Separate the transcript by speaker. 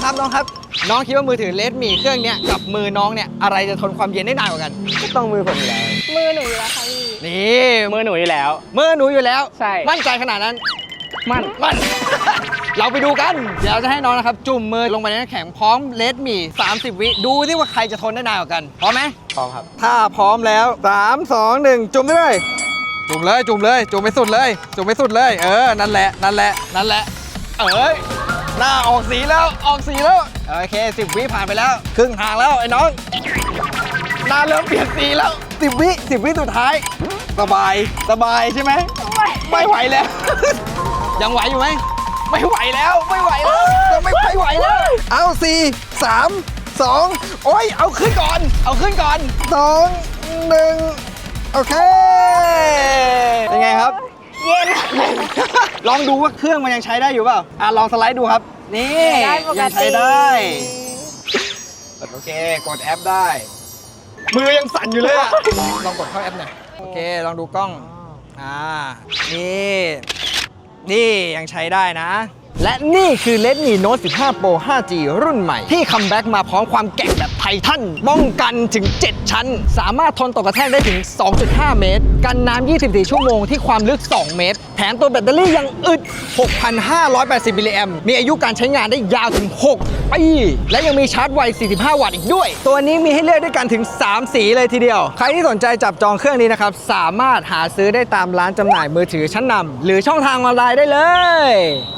Speaker 1: ครับน้องครับน้องคิดว่ามือถือ Redmi เครื่องเนี้ยกับมือน้องเนี่ยอะไรจะทนความเย็นได้นานกว่ากัน
Speaker 2: ก็ต้องมือผมอยู่แล้ว
Speaker 3: มือหนูอยู่แล้วค่ะพี่
Speaker 1: นี่
Speaker 2: มือหนูอยู่แล้ว
Speaker 1: มือหนูอยู่แล้ว
Speaker 2: ใช่
Speaker 1: มั่นใจขนาดนั้น
Speaker 2: มัน
Speaker 1: มัน เราไปดูกัน เดี๋ยวเราจะให้น้องนะครับ จุ่มมือลงไปในน้ำแข็งพร้อม Redmi 30 วิดูที่ว่าใครจะทนได้นานกว่ากันพร้อมไหม
Speaker 2: พร้อมครับ
Speaker 1: ถ้าพร้อมแล้ว3 2 1จุ่มได้เลยจุ่มเลยจุ่มเลยจุ่มไปสุดเลยจุ่มไปสุดเลยนั่นแหละนั่นแหละนั่นแหละหน้าออกสีแล้วออกสีแล้วโอเค10 วิผ่านไปแล้วครึ่งทางแล้วไอ้น้องหน้าเริ่มเปลี่ยนสีแล้ว10 วิสุดท้ายสบายใช่ไหมไม่ไหวแล้ว ยังไหวอยู่ไหมไม่ไหวแล้วไม่ไหวแล้วจะไม่ไหวแล้วเอา4 3 2โอ้ยเอาขึ้นก่อน2 1โอเคเป็นไงครับ
Speaker 3: เย็น
Speaker 1: ลองดูว่าเครื่องมันยังใช้ได้อยู่เปล่าลองสไลด์ดูครับ นี่
Speaker 3: ได้ปกติ
Speaker 1: ยังใช้ได้โอเคกดแอปได้ มือยังสั่นอยู่เลยอะลองกดเข้าแอปหน่อยโอเคลองดูกล้องนี่ยังใช้ได้นะ และนี่คือ Redmi Note 15 Pro 5G รุ่นใหม่ ที่คัมแบ็กมาพร้อมความแกร่งแบบไททันป้องกันถึง 7 ชั้น สามารถทนต่อกระแทกได้ถึง 2.5 เมตร กันน้ำ 24 ชั่วโมงที่ความลึก 2 เมตร แถมตัวแบตเตอรี่ยังอึด 6,580 มิลลิแอมป์มีอายุการใช้งานได้ยาวถึง 6 ปี และยังมีชาร์จไว 45 วัตต์อีกด้วย ตัวนี้มีให้เลือกด้วยกันถึง 3 สีเลยทีเดียว ใครที่สนใจจับจองเครื่องนี้นะครับ สามารถหาซื้อได้ตามร้านจำหน่ายมือถือชั้นนำหรือช่องทางออนไลน์ได้เลย